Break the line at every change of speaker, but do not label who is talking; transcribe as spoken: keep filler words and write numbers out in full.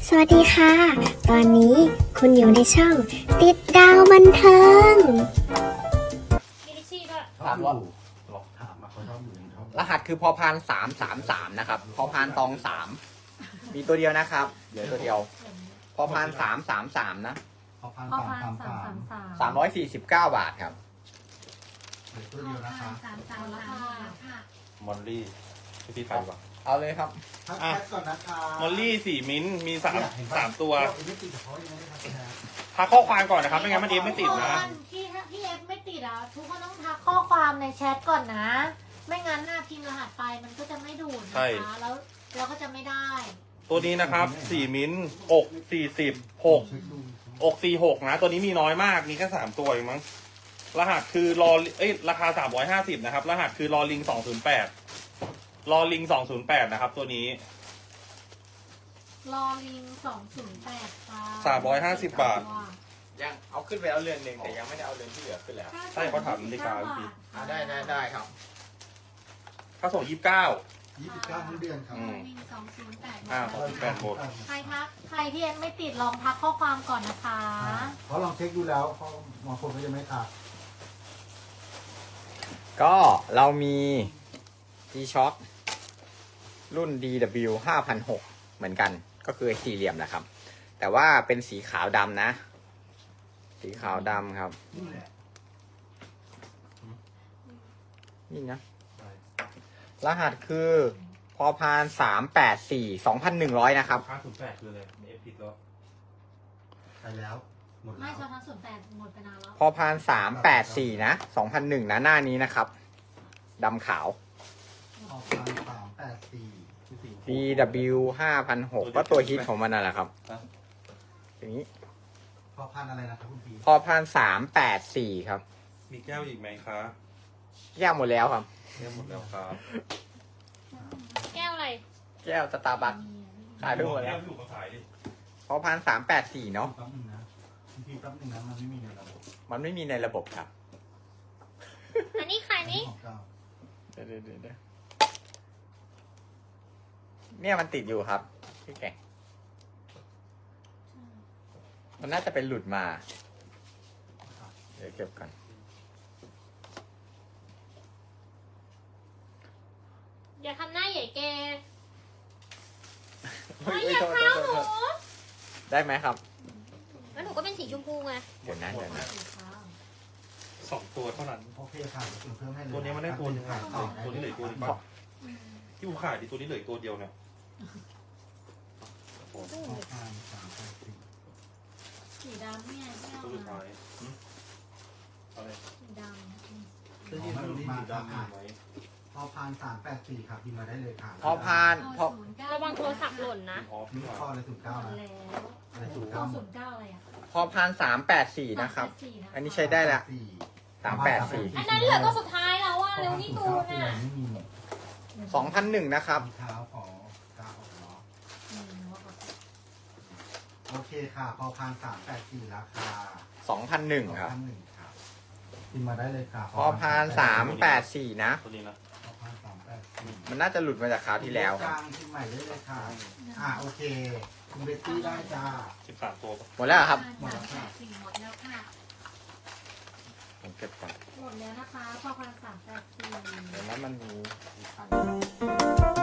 สวัสดีค่ะ ตอนนี้คุณอยู่ในช่องติดดาวบันเทิง
มีลิชี่ด้วย
ถามว่า
ถามมาเขาชอบอยู่ชอบ
รหัสคือพอพานสามสามสามนะครับ พอพานตองสามมีตัวเดียวนะครับเหลือตัวเดียว พอพานสามสามสามนะ
เขาพัน
พอ
สาม
พาน
สาม
สาม
สาม
สามสาม
สามร้อยสี่สิบเก้าบาทครับ
เหลือตัวเดียวนะคะ
สามสามราคาค่ะ
มอลลี่พี่พี่ไปดีกว่า
เอาเลยครับ
ทัก
อ่ะ
แชทก่อนนะคะ
มอลลี่สี่มิ้นท์มีสาม
เนี่ยเห็นปะ
สามตัว
เอไม่ติดกับเขายังไม่ได้ทักแชท
ทักข้อความก่อนนะครับไม่งั้นมันเอฟไม่ติดนะ
พี่ถ้าพี่เอฟไม่ติดอ่ะทุกคนต้องทักข้อความในแชทก่อนนะ ไม่งั้นหน้าพิมพ์รหัสไปมันก็จะไม่ดูดนะคะแล้วเราก็จะไม่ได้
ตัวนี้นะครับสี่มิ้นท์อกสี่สิบหก
เช็คดู
อกสี่หกนะ ตัวนี้มีน้อยมากมีแค่สามตัวเองมั้งรหัสคือรอเอ้ยราคาสามร้อยห้าสิบนะครับรหัสคือรอลิงสองศูนย์แปดรอลิงสองศูนย์แปดนะครับตัวนี้
รอลิงสองศูนย์แปดค่ะ
สามร้อยห้าสิบบาท
ยังเอาขึ้นไปแล้วเรือนหนึ่งแต่ยังไม่ได้เอาเรือนที่เหลือขึ้นแล้ว
ใช่เขาถามนาฬิกาพี่
อ่าได้ได้ได้ครับ
ค่าส่งยี่สิบเก้า
ยี่สิบเก้าทั้งเดือนครับ
อืม
ลิงสองศูนย์แปด
อ่าขอบคุณแฟนโบส
ใครทักใครที่เอฟไม่ติดลองทักข้อความก่อนนะคะ
เขาลองเช็คดูแล้วเขาบางคนก็ยังไม่ทัก
ก็เรามี G-Shock รุ่น ดี ดับเบิลยู ห้าพันหกร้อย เหมือนกันก็คือสี่เหลี่ยมแหละครับ แต่ว่าเป็นสีขาวดำนะ สีขาวดำครับ
นี่แหละ
นี่นะ รหัสคือพอพานสามแปดสี่สองพันหนึ่งร้อยนะครับ
ค่าศูนย์แปดคืออะไรเอฟผิดแล้ว
ไปแล้วหมด
ไม่
แล้ว
ชอทั้งศูนย์แปดหมดไปนานแล้ว
พอพานสามแปดสี่นะสองพันหนึ่งนะหน้านี้นะครับดำขาว
เขาพันสามแปดสี่
ดี ดับเบิลยู ห้าพันหกร้อย ก็ตัวฮิตของมันนั่นแหละครับ อย่างนี้
พอพันอะไรนะครับคุณพี
พอพานสามแปดสี่ครับ
มีแก้วอีกไหมคะ
แก้วหมดแล้วครับ
แก้วหมดแล้วครับ
แก้วอะไร
แก้วสตาร์บัคขายไปหมดแล้ว
พี่อยู่มาขายดิ
พอพานสามแปดสี่เนาะ
แป๊บนึงนะคุณพีแป๊บนึงนะมันไม่มีในระบบ
มันไม่มีในระบบครับ
อันนี้ใครนี่
ของเก่า
เดี๋ยวเดี๋ยวเดี๋ยวเดี๋ยวเนี่ยมันติดอยู่ครับพี่แกงมันน่าจะเป็นหลุดมา เดี๋ยวเก็บก่อน
อย่าทำหน้าใหญ่เก
เฮ้ย
ไม่อย่า
โทษ
เท้า
โทษ
หนู
โทษได้ไหมครับ
แล้วหนูก็เป็นสีชมพูไง
เดี๋ยวนะเดี๋ยวนะ
สองตัวเท่านั้น
โอเคค่ะเดี๋ยวเพิ่มให้เลย
ตัวนี้มันได้ตัวหนึง
ขา
อ่ะ
ยต่อ
ตัวนี้เหลืออกตัวหนึง
ขอ
ที่กูขายดิตัวนี้เหลืออกตัวเดียวเนี่ย
พอพันสามแปดสี่
สีดำเนี่ยที่เอา
ตัวสุด
มา
ท้ายหึอะไร
สีดำ
เสื้อยืดตัวนี้สีดำมีไหม
พอพันสามแปดสี่ครับพิมพ์มาได้เลยค่ะ
พอพานพอ
ระวังโทรศัพท์หล่นนะ
ออฟ
นี่
นี่หว่า
ข้ออะไรศูนย์
หม
เก้า
ด
นะ
แล้ว
อะไรศูนย์
เก้า
เก้าหม
ศู
ด
นย์เก้าอะไรอ่ะ
พอพานสามแปดสี่นะครับ อันนี้ใช้ได้ละ สามแปดสี่
อันนั้นเหลือตัวสุดท้ายแล้วว่าเร็วนี่ตูนอ่ะ
ไม่มี
สองพันหนึ่งนะครับ
รองเท้าขอกาออกเนาะ
อืมว่าแบบ
โอเคค่ะพอพันสามแปดสี่ราคา
สองพันหนึ่งครับ
พันหนึ่งครับพิมพ์มาได้เลยค่ะ
พอพานสามแปดสี่นะ
ตัวนี้นะ
พอพันสามแปดสี่
มันน่าจะหลุดมาจากคราวที่แล้วค
ก
รับ
ลางพิมพ์ใหม่ได้เลยค่ะอ่าโอเคคุณเบตตี้ได้จ้า
สิบสามตัวปะ
หมดแล้วเหรอครับ
หมดแล้วค่ะสี่หมดแล้วค่ะ
ผมเก็บก่อน
หมดแล้วนะคะพอพันสามแปดสี่
เดี๋ยวนั้นมันมีอีกพัน